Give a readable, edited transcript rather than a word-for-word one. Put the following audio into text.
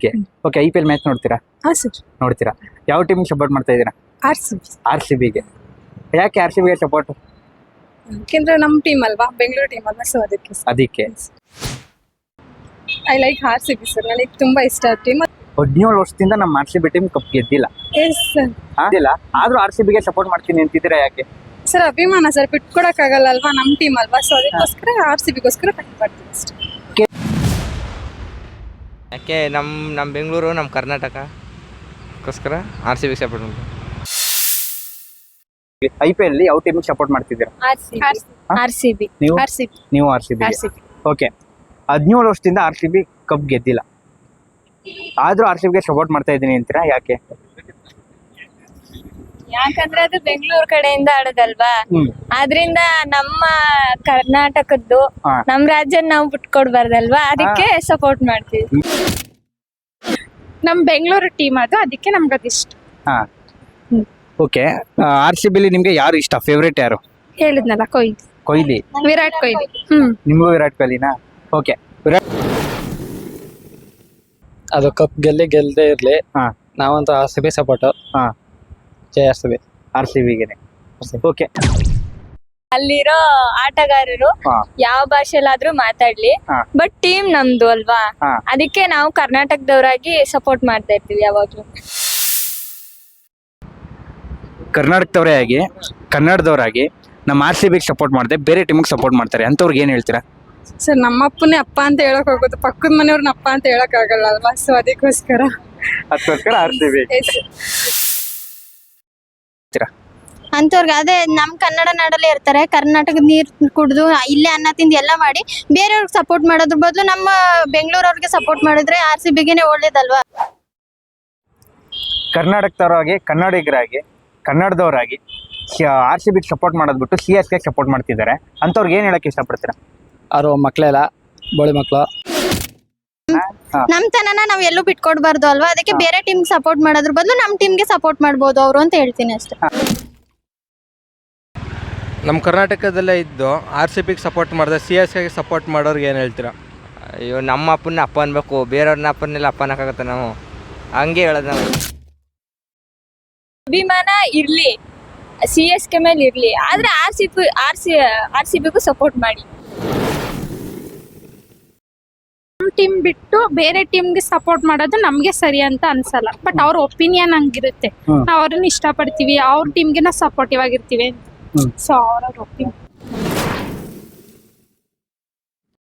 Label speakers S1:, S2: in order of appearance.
S1: Okay okay IPL match ನೋಡ್ತೀರಾ?
S2: ಹಾಂ sir.
S1: ನೋಡ್ತೀರಾ. ಯಾವ ಟೀಮಿಗೆ ಸಪೋರ್ಟ್ ಮಾಡ್ತಾ ಇದ್ದೀರಾ? RCBಗೆ. ಯಾಕೆ RCBಗೆ ಸಪೋರ್ಟ್?
S2: ಯಾಕೆಂದ್ರೆ ನಮ್ಮ ಟೀಮ್ ಅಲ್ವಾ, ಬೆಂಗಳೂರು ಟೀಮ್ ಅಲ್ವಾ, ಸೊ
S1: ಅದಕ್ಕೆ
S2: ಐ ಲೈಕ್ RCB ಸರ್. ನನಗೆ ತುಂಬಾ ಇಷ್ಟ ಟೀಮ್.
S1: 17 ವರ್ಷದಿಂದ ನಮ್ಮ RCB ಟೀಮ್ ಕಪ್ ಗೆದ್ದಿಲ್ಲ.
S2: Yes sir.
S1: ಆಗಿಲ್ಲ, ಆದ್ರೂ RCBಗೆ ಸಪೋರ್ಟ್ ಮಾಡ್ತೀನಿ ಅಂತಿದ್ದೀರಾ ಯಾಕೆ?
S2: ಸರ್ ಅಭಿಮಾನ ಸರ್, ಬಿಟ್ಕೊಡಕ್ಕಾಗಲ್ಲ ಅಲ್ವಾ, ನಮ್ಮ ಟೀಮ್ ಅಲ್ವಾ, ಸೊ ಅದಕ್ಕೋಸ್ಕರ RCBಗೋಸ್ಕರ ಫೈಟ್ ಮಾಡ್ತೀವಿ ಅಷ್ಟೇ.
S3: ಯಾಕೆ ನಮ್ಮ ಬೆಂಗಳೂರು ನಮ್ಮ ಕರ್ನಾಟಕಕ್ಕೋಸ್ಕರ RCB ಸಪೋರ್ಟ್ ಮಾಡ್ತೀವಿ.
S1: IPL ಅಲ್ಲಿ ಯಾವ ಟೀಮಿಗೆ ಸಪೋರ್ಟ್ ಮಾಡ್ತಿದ್ದೀರಾ?
S2: RCB.
S1: ನೀವು RCB. ಓಕೆ 17 ವರ್ಷದಿಂದ RCB ಕಪ್ ಗೆದ್ದಿಲ್ಲ, ಆದ್ರೂ RCBಗೆ ಸಪೋರ್ಟ್ ಮಾಡ್ತಾ ಇದ್ದೀನಿ ಅಂತೀರಾ ಯಾಕೆ?
S4: ಯಾಕಂದ್ರೆ ಅದು ಬೆಂಗಳೂರು ಕಡೆಯಿಂದ ಆಡೋದಲ್ವಾ, ಆದ್ರಿಂದ ನಮ್ಮ ಕರ್ನಾಟಕದ್ದು ನಮ್ ರಾಜ್ಯ ನಾವು ಬಿಟ್ಕೊಡ್ಬಾರ್ದಲ್ವಾ, ಅದಕ್ಕೆ ಸಪೋರ್ಟ್ ಮಾಡ್ತೀವಿ.
S2: ನಮ್ ಬೆಂಗಳೂರು ಟೀಮ್ ಅದು, ಅದಕ್ಕೆ ನಮ್ಗೆ ಅದಿಷ್ಟ.
S1: ಹಾ ಓಕೆ. RCB ಅಲ್ಲಿ ನಿಮ್ಗೆ ಯಾರು ಇಷ್ಟ? ಫೇವ್ರೇಟ್ ಯಾರು?
S2: ಹೇಳಿದ್ನಲ್ಲ,
S1: ಕೊಹ್ಲಿ.
S2: ವಿರಾಟ್ ಕೊಹ್ಲಿ.
S1: ನಿಮಗೂ ವಿರಾಟ್ ಕೊಹ್ಲಿನಾ? ಓಕೆ. ವಿರಾಟ್
S5: ಅದು ಕಪ್ ಗೆಲ್ಲದೆ ಇರ್ಲಿ, ನಾವಂತೂ RCB ಸಪೋರ್ಟ್. ಜೈ
S1: RCBಗೆ. ಓಕೆ.
S4: ಅಲ್ಲಿರೋ ಆಟಗಾರರು ಯಾವ ಭಾಷೆಲಾದ್ರೂ ಮಾತಾಡ್ಲಿ, ಬಟ್ ಟೀಮ್ ನಮ್ದು ಅಲ್ವಾ, ಅದಕ್ಕೆ ನಾವು ಕರ್ನಾಟಕದವರಾಗಿ ಸಪೋರ್ಟ್ ಮಾಡ್ತಾ ಇರ್ತೀವಿ ಯಾವಾಗ್ಲೂ.
S1: ಕರ್ನಾಟಕದವರೇ ಆಗಿ, ಕನ್ನಡದವರಾಗಿ ನಮ್ಮ RCBಗೆ ಸಪೋರ್ಟ್ ಮಾಡದೆ ಬೇರೆ ಟೀಮಿಗೆ ಸಪೋರ್ಟ್ ಮಾಡ್ತಾರೆ ಅಂತವ್ರಿಗೆ ಏನ್ ಹೇಳ್ತೀರಾ?
S2: ಸರ್ ನಮ್ಮ ಅಪ್ಪನೇ ಅಪ್ಪ ಅಂತ ಹೇಳಕ್ ಹೋಗುತ್ತೆ, ಪಕ್ಕದ ಮನೆಯವ್ರನ್ನ ಅಪ್ಪ ಅಂತ ಹೇಳಕ್ ಆಗಲ್ಲ ಅಲ್ವಾ, ಸೊ ಅದಕ್ಕೋಸ್ಕರ
S1: RCB.
S6: ಅಂತವ್ರಿಗೆ ಅದೇ ನಮ್ ಕನ್ನಡ ನಾಡಲ್ಲೇ ಇರ್ತಾರೆ, ಕರ್ನಾಟಕದ ನೀರ್ ಕುಡ್ದು ಇಲ್ಲೇ ಅನ್ನ ತಿಂದು ಎಲ್ಲ ಮಾಡಿ ಬೇರೆಯವ್ರಿಗೆ ಸಪೋರ್ಟ್ ಮಾಡೋದ್ರ ಬದಲು ನಮ್ಮ ಬೆಂಗಳೂರವ್ರಿಗೆ ಸಪೋರ್ಟ್ ಮಾಡಿದ್ರೆ RCBಗೆನೆ ಒಳ್ಳೇದಲ್ವಾ.
S1: ಕರ್ನಾಟಕದವರಾಗಿ, ಕನ್ನಡಿಗರಾಗಿ, ಕನ್ನಡದವರಾಗಿ RCBಗೆ ಸಪೋರ್ಟ್ ಮಾಡೋದ್ ಬಿಟ್ಟು CSK ಸಪೋರ್ಟ್ ಮಾಡ್ತಿದ್ದಾರೆ ಅಂತವ್ರಿಗೆ ಏನ್ ಹೇಳಕ್ ಇಷ್ಟಪಡ್ತೀರಾ?
S5: ಅವ್ರು ಮಕ್ಳೆಲ್ಲ ಬೋಳಿ ಮಕ್ಳು.
S6: ನಮ್ ತನನ ನಾವ್ ಎಲ್ಲೂ ಬಿಟ್ಕೊಡ್ಬಾರ್ದು ಅಲ್ವಾ, ಅದಕ್ಕೆ ಬೇರೆ ಟೀಮ್ ಸಪೋರ್ಟ್ ಮಾಡೋದ್ರ ಬದಲು ನಮ್ ಟೀಮ್ಗೆ ಸಪೋರ್ಟ್ ಮಾಡ್ಬೋದು ಅವರು ಅಂತ ಹೇಳ್ತೀನಿ ಅಷ್ಟೇ.
S7: ನಮ್ಮ ಕರ್ನಾಟಕದಲ್ಲೇ ಇದ್ದು RCBಗೆ ಸಪೋರ್ಟ್ ಮಾಡಿದ್ರೆ CSKಗೆ ಸಪೋರ್ಟ್ ಮಾಡೋರ್ಗೆ ಏನು ಹೇಳ್ತೀರಾ?
S3: ಅಯ್ಯೋ, ನಮ್ಮ ಅಪ್ಪನ ಅಪ್ಪ ಅನ್ಬೇಕು, ಬೇರೆಯವ್ರನ್ನ ಅಪ್ಪನೆಲ್ಲ ಅಪ್ಪ ಅನ್ನಕ್ಕಾಗತ್ತೆ? ನಾವು ಹಂಗೆ ಹೇಳೋದು. ನಾವು
S4: ಅಭಿಮಾನ ಇರ್ಲಿ, CSK ಮೇಲೆ ಇರ್ಲಿ, ಆದ್ರೆ RCBಗೂ ಸಪೋರ್ಟ್ ಮಾಡಿ.
S2: ನಮ್ ಟೀಮ್ ಬಿಟ್ಟು ಬೇರೆ ಟೀಮ್ಗೆ ಸಪೋರ್ಟ್ ಮಾಡೋದು ನಮ್ಗೆ ಸರಿ ಅಂತ ಅನ್ಸಲ್ಲ, ಬಟ್ ಅವ್ರ ಒಪಿನಿಯನ್ ಹಂಗಿರುತ್ತೆ, ನಾವ್ ಅವ್ರನ್ನ ಇಷ್ಟಪಡ್ತೀವಿ, ಅವ್ರ ಟೀಮ್ಗೆ ನಾವು ಸಪೋರ್ಟಿವ್ ಆಗಿರ್ತೀವಿ, ಸೊ ಅವ್ರ ಒಪಿನಿಯನ್